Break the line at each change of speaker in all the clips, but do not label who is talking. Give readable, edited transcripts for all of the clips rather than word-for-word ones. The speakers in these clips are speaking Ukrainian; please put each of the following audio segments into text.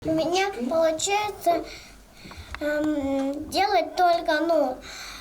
У меня получается делать только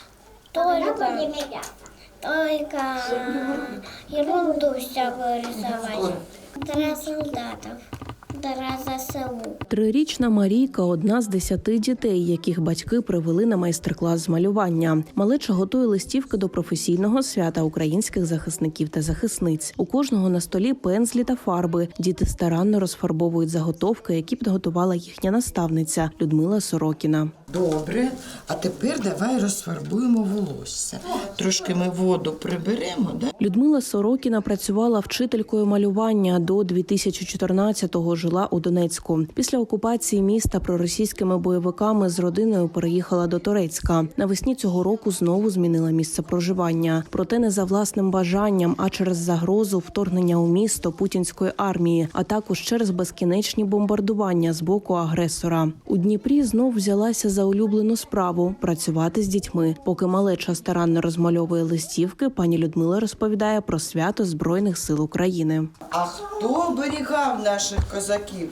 ерунду всякую рисовать. Для солдатов, для ЗСУ.
3-річна Марійка – одна з 10 дітей, яких батьки привели на майстер-клас з малювання. Малеча готує листівки до професійного свята українських захисників та захисниць. У кожного на столі пензлі та фарби. Діти старанно розфарбовують заготовки, які підготувала їхня наставниця Людмила Сорокіна.
Добре, а тепер давай розфарбуємо волосся. Трошки ми воду приберемо, да?
Людмила Сорокіна працювала вчителькою малювання. До 2014-го жила у Донецьку. Після окупації міста проросійськими бойовиками з родиною переїхала до Торецька. Навесні цього року знову змінила місце проживання. Проте не за власним бажанням, а через загрозу вторгнення у місто путінської армії, а також через безкінечні бомбардування з боку агресора. У Дніпрі знов взялася за улюблену справу – працювати з дітьми. Поки малеча старанно розмальовує листівки, пані Людмила розповідає про свято Збройних сил України.
А хто оберігав наших козаків?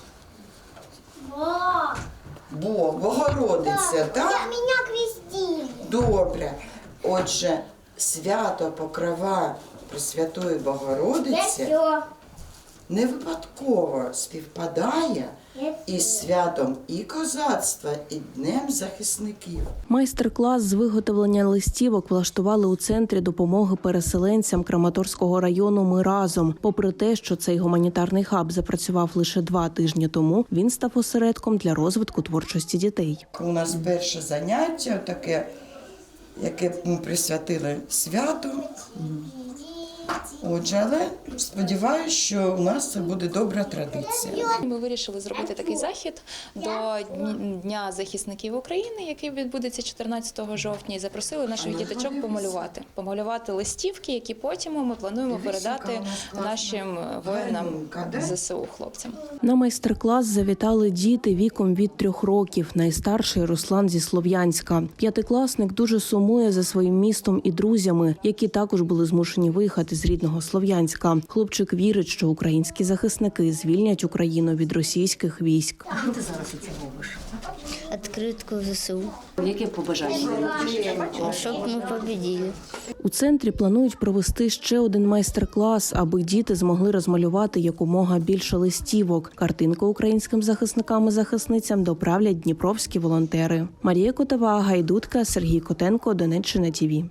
Бог, Богородиця, так?
Меня крестили.
Добре. Отже, свято Покрова Пресвятої Богородиці не випадково співпадає із святом і козацтва, і Днем захисників.
Майстер-клас з виготовлення листівок влаштували у Центрі допомоги переселенцям Краматорського району «Ми разом». Попри те, що цей гуманітарний хаб запрацював лише 2 тижні тому, він став осередком для розвитку творчості дітей.
У нас перше заняття, таке, яке ми присвятили святу. Отже, але сподіваюся, що у нас це буде добра традиція.
Ми вирішили зробити такий захід до Дня захисників України, який відбудеться 14 жовтня, і запросили наших діточок помалювати листівки, які потім ми плануємо передати нашим воїнам ЗСУ, хлопцям.
На майстер-клас завітали діти віком від 3 років. Найстарший – Руслан зі Слов'янська. 5-класник дуже сумує за своїм містом і друзями, які також були змушені виїхати з рідного Слов'янська. Хлопчик вірить, що українські захисники звільнять Україну від російських військ.
А що ти зараз у цього робиш?
Открытку ЗСУ.
Яке побажання?
Щоб ми победили.
У центрі планують провести ще один майстер-клас, аби діти змогли розмалювати якомога більше листівок. Картинку українським захисникам і захисницям доправлять дніпровські волонтери. Марія Котова, Гайдутка, Сергій Котенко, Донеччина ТІВІ.